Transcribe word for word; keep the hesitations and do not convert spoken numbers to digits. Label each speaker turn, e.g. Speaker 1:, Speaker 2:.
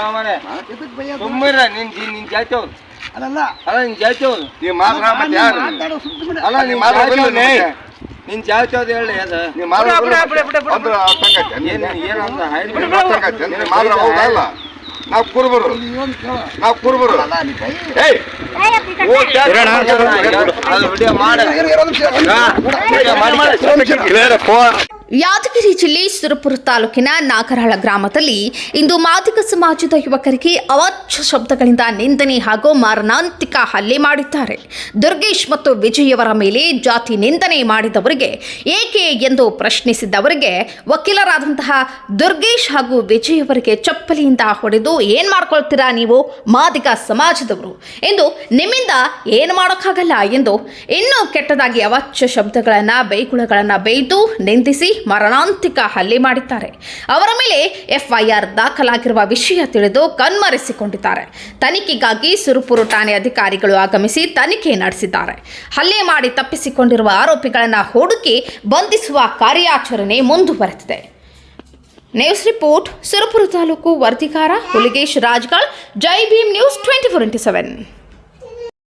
Speaker 1: ಮಾರೆ
Speaker 2: ಇದಕ್ಕೆ ಬೈಯೋದು
Speaker 1: ಸುಮ್ಮನೆ ನಿನ್ ನಿನ್ ಜಾತಿ ಅವ್ರು
Speaker 2: ಅಲ್ಲಲ್ಲ
Speaker 1: ಅಲ್ಲ ನಿನ್ ಜಾತಿ ಅವ್ರು
Speaker 3: ನೀವ್ ಮಾತ್ರ ಮತ್ತೆ ಯಾರು
Speaker 2: ಮಾತಾಡೋ ಸುಮ್ಮನೆ
Speaker 1: ಅಲ್ಲ ನಿನ್
Speaker 3: ಮಾತ್ರ
Speaker 1: ಜಾತಿ ಅವ್ರು
Speaker 3: ಮತ್ತೆ?
Speaker 1: ನಿನ್ ಜಾತಿ ಅವ್ರು ಹೇಳಿ ಅದ
Speaker 3: ನೀವ್ ಮಾತ್ರ
Speaker 2: ಬಿಡ, ಬಿಡ, ಬಿಡ, ಬಿಡ,
Speaker 3: ಅಂದ್ರೆ ಸಂಗತಿ
Speaker 1: ಏನ್ ಏನಂತ ಹಾಯ್ದು
Speaker 3: ನೀವ್ ಮಾತಾಡ್ಕತ್ತಿ, ನೀವ್ ಮಾತ್ರ ಹೌದಲ್ಲ ನಾವ್ ಕುರುಬರು
Speaker 2: ನೀವೊಂದು ಕೇಳ
Speaker 3: ನಾವ್ ಕುರುಬರು
Speaker 2: ಅಲ್ಲ ನೀ ಬೈ
Speaker 3: ಏಯ್
Speaker 1: ಅದು ವಿಡಿಯೋ ಮಾಡ
Speaker 2: ಇರು, ಇರು, ಒಂದು ನಿಮಿಷ.
Speaker 1: ವಿಡಿಯೋ ಮಾಡಿ
Speaker 4: ಯಾದಗಿರಿ ಜಿಲ್ಲೆ ಸುರಪುರ ತಾಲೂಕಿನ ನಾಗರಹಳ ಗ್ರಾಮದಲ್ಲಿ ಇಂದು ಮಾದಿಗ ಸಮಾಜದ ಯುವಕರಿಗೆ ಅವಾಚ್ಯ ಶಬ್ದಗಳಿಂದ ನಿಂದನೆ ಹಾಗೂ ಮಾರಣಾಂತಿಕ ಹಲ್ಲೆ ಮಾಡಿದ್ದಾರೆ. ದುರ್ಗೇಶ್ ಮತ್ತು ವಿಜಯವರ ಮೇಲೆ ಜಾತಿ ನಿಂದನೆ ಮಾಡಿದವರಿಗೆ ಏಕೆ ಎಂದು ಪ್ರಶ್ನಿಸಿದವರಿಗೆ ವಕೀಲರಾದಂತಹ ದುರ್ಗೇಶ್ ಹಾಗೂ ವಿಜಯವರಿಗೆ ಚಪ್ಪಲಿಯಿಂದ ಹೊಡೆದು ಏನ್ ಮಾಡ್ಕೊಳ್ತೀರಾ ನೀವು ಮಾದಿಗ ಸಮಾಜದವರು ಎಂದು ನಿಮ್ಮಿಂದ ಏನು ಮಾಡೋಕ್ಕಾಗಲ್ಲ ಎಂದು ಇನ್ನೂ ಕೆಟ್ಟದಾಗಿ ಅವಾಚ್ಯ ಶಬ್ದಗಳನ್ನು ಬೈಗುಳಗಳನ್ನು ಬೈದು ನಿಂದಿಸಿ ಮರಣಾಂತಿಕ ಹಲ್ಲೆ ಮಾಡಿದ್ದಾರೆ. ಅವರ ಮೇಲೆ ಎಫ್ಐಆರ್ ದಾಖಲಾಗಿರುವ ವಿಷಯ ತಿಳಿದು ಕಣ್ಮರೆಸಿಕೊಂಡಿದ್ದಾರೆ. ತನಿಖೆಗಾಗಿ ಸುರಪುರ ಠಾಣೆ ಅಧಿಕಾರಿಗಳು ಆಗಮಿಸಿ ತನಿಖೆ ನಡೆಸಿದ್ದಾರೆ. ಹಲ್ಲೆ ಮಾಡಿ ತಪ್ಪಿಸಿಕೊಂಡಿರುವ ಆರೋಪಿಗಳನ್ನು ಹುಡುಕಿ ಬಂಧಿಸುವ ಕಾರ್ಯಾಚರಣೆ ಮುಂದುವರೆದಿದೆ. ನ್ಯೂಸ್ ರಿಪೋರ್ಟ್ ಸುರಪುರ ತಾಲೂಕು ವರದಿಗಾರ Huligesh Rajgal, Jai Bhim news twenty four into seven.